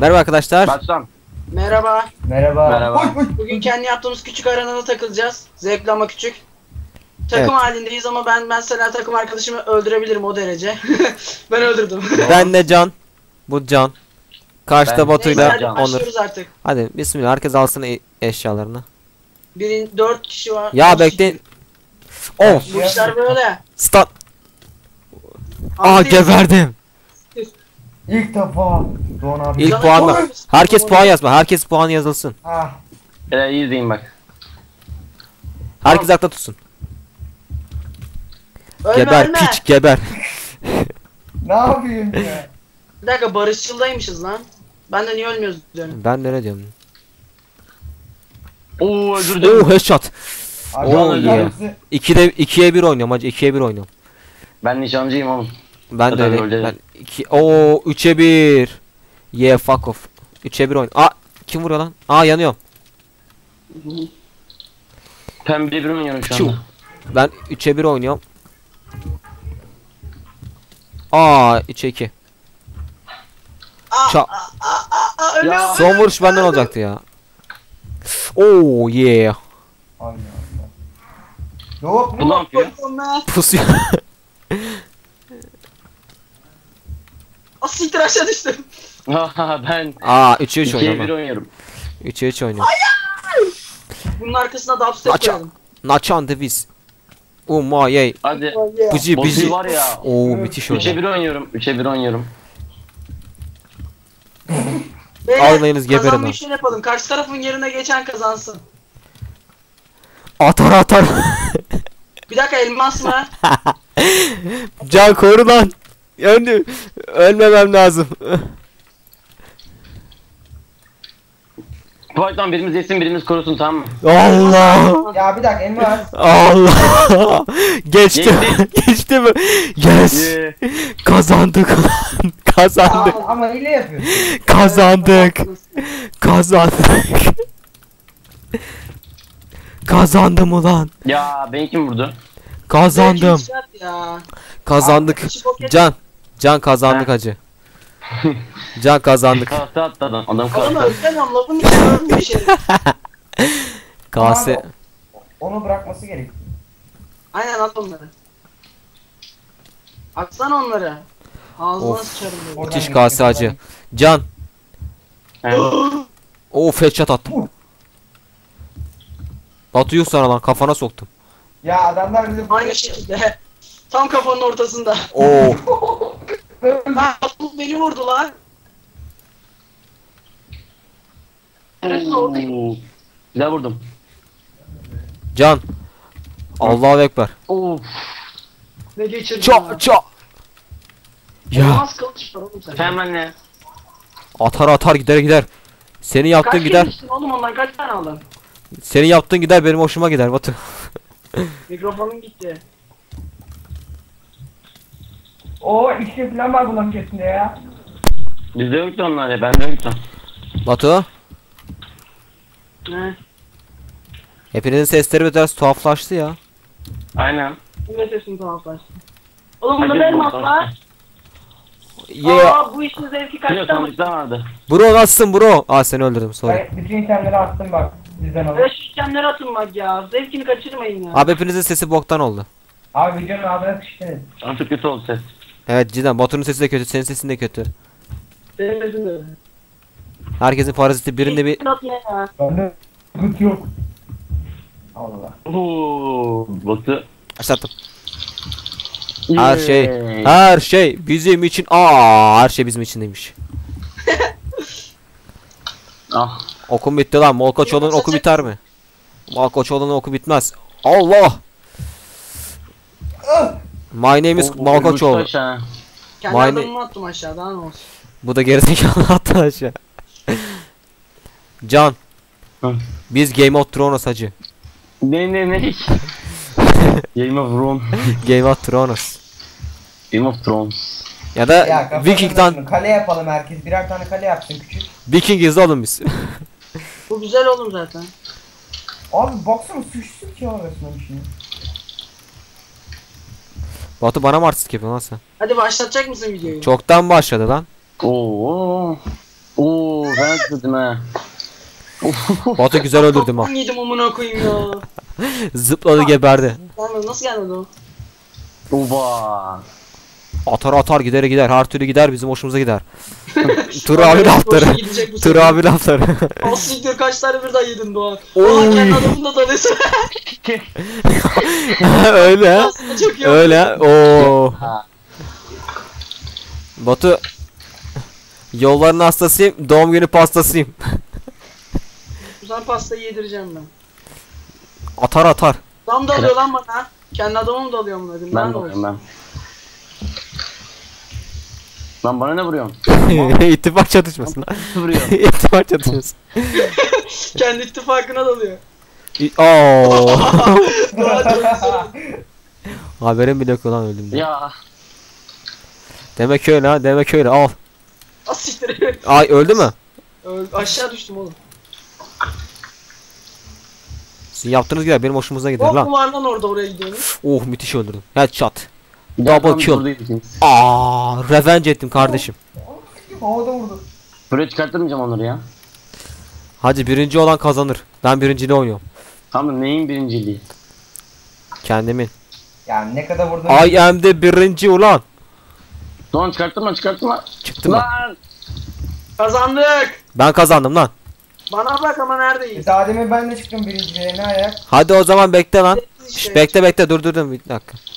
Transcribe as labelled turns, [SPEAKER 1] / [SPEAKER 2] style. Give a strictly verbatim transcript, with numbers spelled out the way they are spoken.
[SPEAKER 1] Merhaba arkadaşlar.
[SPEAKER 2] Baştan.
[SPEAKER 3] Merhaba.
[SPEAKER 4] Merhaba.
[SPEAKER 2] Merhaba.
[SPEAKER 3] Bugün kendi yaptığımız küçük arenada takılacağız. Zevkli ama küçük. Takım
[SPEAKER 1] Evet.
[SPEAKER 3] halindeyiz ama ben mesela takım arkadaşımı öldürebilirim o derece. Ben öldürdüm.
[SPEAKER 1] Ben de Can. Bu Can. Karşıda
[SPEAKER 2] Ben-
[SPEAKER 1] Batu'yla
[SPEAKER 3] Neyse hadi
[SPEAKER 1] Onur.
[SPEAKER 3] başlıyoruz artık.
[SPEAKER 1] Hadi bismillah, herkes alsın e- eşyalarını.
[SPEAKER 3] Birin dört kişi var.
[SPEAKER 1] Ya
[SPEAKER 3] Dört
[SPEAKER 1] bekleyin.
[SPEAKER 3] kişi.
[SPEAKER 1] Oh,
[SPEAKER 3] Bu işler böyle.
[SPEAKER 1] start. Aa,
[SPEAKER 3] Altı
[SPEAKER 1] geberdim.
[SPEAKER 4] İlk defa Doğan abi.
[SPEAKER 1] İlk
[SPEAKER 3] Canım,
[SPEAKER 1] puan
[SPEAKER 3] doğru
[SPEAKER 1] mı?
[SPEAKER 3] musun?
[SPEAKER 1] Herkes
[SPEAKER 3] Doğru.
[SPEAKER 1] puan yazma. Herkes puan yazılsın.
[SPEAKER 4] Ah.
[SPEAKER 2] Ee, iyi izleyin bak.
[SPEAKER 1] Herkes akla tutsun.
[SPEAKER 3] Ölme,
[SPEAKER 1] Geber
[SPEAKER 3] ölme.
[SPEAKER 1] piç, geber.
[SPEAKER 4] Ne yapayım ya?
[SPEAKER 3] Bir dakika barışçıldaymışız lan. Ben de niye ölmüyoruz diyorum.
[SPEAKER 1] Ben de ne diyorum?
[SPEAKER 2] Oo öldürdüm.
[SPEAKER 1] Oh, headshot.
[SPEAKER 4] Abi,
[SPEAKER 1] Oo,
[SPEAKER 4] abi,
[SPEAKER 1] yeah.
[SPEAKER 4] hepsi-
[SPEAKER 1] ikide ikiye bir oynuyorum hacı. ikiye bir oynuyorum.
[SPEAKER 2] Ben nişancıyım oğlum.
[SPEAKER 1] Ben de
[SPEAKER 2] Zaten
[SPEAKER 1] öyle.
[SPEAKER 2] öyle.
[SPEAKER 1] Ben iki Oo, üçe bir. Yeah, fuck off. üçe bir oyun. Aa, kim vuruyor lan? Aa, yanıyorum.
[SPEAKER 2] Pembe bir oynuyorum şu
[SPEAKER 1] Çu.
[SPEAKER 2] anda.
[SPEAKER 1] Ben üçe bir oynuyorum. Aa, üçe iki.
[SPEAKER 3] Aa,
[SPEAKER 1] Ça
[SPEAKER 3] aa, aa, aa, ölüyorum.
[SPEAKER 1] Son vuruş benden olacaktı ya. Oo, yeah.
[SPEAKER 4] Allah Allah. Yok
[SPEAKER 2] Bu ne
[SPEAKER 4] mu?
[SPEAKER 2] yapıyor?
[SPEAKER 3] Ölüyorum ben.
[SPEAKER 1] Pusuyor.
[SPEAKER 3] Aa, siktir aşağı düştüm.
[SPEAKER 2] Ben
[SPEAKER 1] Aa, üçe üç
[SPEAKER 2] ikiye bir
[SPEAKER 1] oynuyorum.
[SPEAKER 2] oynuyorum.
[SPEAKER 1] üçe üç oynuyorum.
[SPEAKER 3] Bunun arkasına dubstep
[SPEAKER 1] Maça.
[SPEAKER 3] koyalım.
[SPEAKER 1] Naçan deviz. Oh my yay.
[SPEAKER 2] Hadi.
[SPEAKER 1] Bizi
[SPEAKER 2] Boss'u
[SPEAKER 1] bizi.
[SPEAKER 2] var ya.
[SPEAKER 1] Oo, müthiş
[SPEAKER 2] üçe
[SPEAKER 1] oynuyor.
[SPEAKER 2] bir oynuyorum. üçe bir oynuyorum.
[SPEAKER 3] Beyler,
[SPEAKER 1] Almayınız, geberin
[SPEAKER 3] kazanmayı
[SPEAKER 1] ha.
[SPEAKER 3] şöyle yapalım. Karşı tarafın yerine geçen kazansın.
[SPEAKER 1] Atar atar.
[SPEAKER 3] Bir dakika elmas mı?
[SPEAKER 1] Can koru lan. Öldü. Ölmemem lazım.
[SPEAKER 2] Fight'tan birimiz yesin birimiz korusun, tamam mı?
[SPEAKER 1] Allah.
[SPEAKER 4] Ya bir dakika elmas.
[SPEAKER 1] Allah. Geçti.
[SPEAKER 2] Geçti.
[SPEAKER 1] Geçti mi? Yes.
[SPEAKER 2] Yeah.
[SPEAKER 1] Kazandık lan. Kazandık.
[SPEAKER 4] Ama, ama hile yapıyorsun.
[SPEAKER 1] Kazandık. Kazandık. Kazandım ulan.
[SPEAKER 2] Ya beni kim vurdu?
[SPEAKER 1] Kazandım.
[SPEAKER 3] Zevkli ya.
[SPEAKER 1] Kazandık.
[SPEAKER 3] İşi bok et-
[SPEAKER 1] Can. Can kazandık
[SPEAKER 2] Ha.
[SPEAKER 1] hacı. Can kazandık.
[SPEAKER 2] Kase attı adam. Adam
[SPEAKER 3] Oğlum
[SPEAKER 2] kase.
[SPEAKER 3] ölsene lafın içine ölmüyor şey.
[SPEAKER 1] Kase.
[SPEAKER 4] Abi, onu bırakması gerek.
[SPEAKER 3] Aynen at onları. Atsana onları. Ağzına
[SPEAKER 1] Of.
[SPEAKER 3] sıçarım böyle.
[SPEAKER 4] Oradan
[SPEAKER 1] Müthiş
[SPEAKER 4] geçiyor,
[SPEAKER 1] kase hacı.
[SPEAKER 4] oradan.
[SPEAKER 1] Can.
[SPEAKER 2] Evet.
[SPEAKER 1] Oo, headshot attım. Batu yuh sana lan, kafana soktum.
[SPEAKER 4] Ya adamlar bizi
[SPEAKER 3] Aynı şekilde. Tam kafanın ortasında.
[SPEAKER 1] Oo.
[SPEAKER 3] Lan bu beni vurdu lan.
[SPEAKER 2] Oo. Güzel vurdum.
[SPEAKER 1] Can. Allahu ekber.
[SPEAKER 2] Of.
[SPEAKER 3] Ne geçirdi
[SPEAKER 1] Ça ça. Ya,
[SPEAKER 3] Elmas kılıç var oğlum sen.
[SPEAKER 2] Hemen ne?
[SPEAKER 1] atar atar gider gider. Senin yaptığın
[SPEAKER 3] Kaç
[SPEAKER 1] gider.
[SPEAKER 3] gider. Oğlum ondan kaç tane aldın?
[SPEAKER 1] Senin yaptığın gider, benim hoşuma gider Batu.
[SPEAKER 3] Mikrofonun gitti.
[SPEAKER 4] O ikisi falan var bunların kesinlikle ya.
[SPEAKER 2] Bizde yoktu onlar ya. Bende yoktu.
[SPEAKER 1] Batu.
[SPEAKER 3] Ne?
[SPEAKER 1] Hepinizin sesleri biraz tuhaflaştı ya.
[SPEAKER 2] Aynen.
[SPEAKER 3] Ne sesin tuhaflaştı. Oğlum bunda
[SPEAKER 2] Hadi
[SPEAKER 3] da elmas
[SPEAKER 2] bakalım.
[SPEAKER 3] var.
[SPEAKER 1] Yeah.
[SPEAKER 3] Aa bu işin zevki
[SPEAKER 2] Biliyor
[SPEAKER 3] kaçtı ama.
[SPEAKER 2] sandıkta vardı.
[SPEAKER 1] Bro, nasılsın bro? Aa, seni öldürdüm, sorry.
[SPEAKER 4] Ben bütün itemleri attım bak. Bizden olur.
[SPEAKER 3] Böyle şişemleri atın bak ya. Zevkini kaçırmayın ya.
[SPEAKER 1] Abi hepinizin sesi boktan oldu.
[SPEAKER 4] Abi videonun adına sıçtınız.
[SPEAKER 2] Artık kötü oldu ses.
[SPEAKER 1] Evet cidden, Batu'nun sesi de kötü, senin sesin de kötü.
[SPEAKER 3] Benim sesim de.
[SPEAKER 1] Herkesin paraziti birinde bir...
[SPEAKER 3] Atın ya.
[SPEAKER 4] Bende sıkıntı yok. Allah.
[SPEAKER 2] Oo. Baktı.
[SPEAKER 1] Başlattım. Her şey, her şey bizim için. Aa, her şey bizim için demiş.
[SPEAKER 2] Ah.
[SPEAKER 1] Okum bitti lan. Molkoçoğlu'nun oku biter mi? Molkoçoğlu'nun oku bitmez. Allah! My name is
[SPEAKER 2] O- o-
[SPEAKER 1] Malkoçoğlu.
[SPEAKER 2] uçtu aşağı.
[SPEAKER 3] Kendi
[SPEAKER 1] Mine-
[SPEAKER 3] adamımı attım aşağıdan ne olsun.
[SPEAKER 1] Bu da gerizekalı attı aşağı. Can.
[SPEAKER 2] Hı.
[SPEAKER 1] Biz Game of Thrones hacı.
[SPEAKER 2] Ne ne ne? Game of Thrones.
[SPEAKER 1] Game of Thrones.
[SPEAKER 2] Game of Thrones.
[SPEAKER 1] Ya da
[SPEAKER 4] Ya kafanın
[SPEAKER 1] Viking'den
[SPEAKER 4] başını Kale yapalım herkes. Birer tane kale yapsın küçük.
[SPEAKER 1] Vikingiz oğlum biz.
[SPEAKER 3] Bu güzel oğlum zaten.
[SPEAKER 4] Abi baksana sıçtık ya arasına bir şey.
[SPEAKER 1] Batu bana mı artistik yapıyorsun lan sen?
[SPEAKER 3] Hadi başlatacak mısın videoyu?
[SPEAKER 1] Çoktan başladı lan.
[SPEAKER 2] Oo. Oo. Adamı falan tuttum ha.
[SPEAKER 1] Batu güzel öldürdüm ha.
[SPEAKER 3] Ben yedim amına koyayım ya.
[SPEAKER 1] Zıpladı geberdi.
[SPEAKER 3] Gelmedi, nasıl gelmedi o?
[SPEAKER 2] Uba.
[SPEAKER 1] Atar atar gider gider. Her türlü gider bizim hoşumuza gider. Tur abi
[SPEAKER 3] Boşa
[SPEAKER 1] lafları.
[SPEAKER 3] gidecek bu
[SPEAKER 1] Tur
[SPEAKER 3] sefer.
[SPEAKER 1] abi lafları.
[SPEAKER 3] Al siktir, kaç tane birden yedin Doğan.
[SPEAKER 1] Oy.
[SPEAKER 3] Oha, kendi adamını da tanıyorsun.
[SPEAKER 1] Öyle.
[SPEAKER 3] Aslında çok iyi.
[SPEAKER 1] Öyle. Oo.
[SPEAKER 2] Ha.
[SPEAKER 1] Batu. Yolların hastasıyım. Doğum günü pastasıyım.
[SPEAKER 3] Güzel pastayı yedireceğim ben.
[SPEAKER 1] Atar atar.
[SPEAKER 3] Adam da alıyor lan bana. Kendi adamım da alıyor bunları.
[SPEAKER 2] Ben de vuruyorum ben. Lan bana ne vuruyorsun?
[SPEAKER 1] İttifak çatışması lan.
[SPEAKER 2] Vuruyor.
[SPEAKER 1] İttifak çatışması.
[SPEAKER 3] Kendi ittifakına dalıyor.
[SPEAKER 1] İ- Oo.
[SPEAKER 3] Doğan çok güzel.
[SPEAKER 1] Haberim bile yok lan öldüm diye.
[SPEAKER 2] Ya.
[SPEAKER 1] Demek öyle ha. Demek öyle. Al.
[SPEAKER 3] Az siktir.
[SPEAKER 1] Ay öldü mü?
[SPEAKER 3] Öl- Aşağı düştüm oğlum.
[SPEAKER 1] Sizin yaptığınız gider. Benim hoşumuza gider
[SPEAKER 3] Hop
[SPEAKER 1] lan.
[SPEAKER 3] mu var lan orada, oraya gidiyorum.
[SPEAKER 1] Oh müthiş öldürdüm. Headshot.
[SPEAKER 2] Bir
[SPEAKER 1] Double
[SPEAKER 2] daha
[SPEAKER 1] kill.
[SPEAKER 2] tam buradayız ikimiz.
[SPEAKER 1] Aa, revenge ettim kardeşim.
[SPEAKER 4] Oğlum sikim havada vurdu.
[SPEAKER 2] Buraya çıkarttırmayacağım onları ya.
[SPEAKER 1] Hadi birinci olan kazanır. Ben birinciliği oynuyorum.
[SPEAKER 2] Tamam neyin birinciliği?
[SPEAKER 1] Kendimin.
[SPEAKER 4] Yani ne kadar vurdun?
[SPEAKER 1] I am the birinci ulan.
[SPEAKER 2] Doğan çıkarttırma çıkarttırma.
[SPEAKER 1] Çıktı mı?
[SPEAKER 2] Lan.
[SPEAKER 3] Kazandık.
[SPEAKER 1] Ben kazandım lan.
[SPEAKER 3] Bana bak ama neredeyiz?
[SPEAKER 4] Daha demin ben de çıktım birinciliğe, ne ayak?
[SPEAKER 1] Hadi o zaman bekle lan.
[SPEAKER 3] İşte.
[SPEAKER 1] Şş, bekle bekle dur dur dur bir dakika.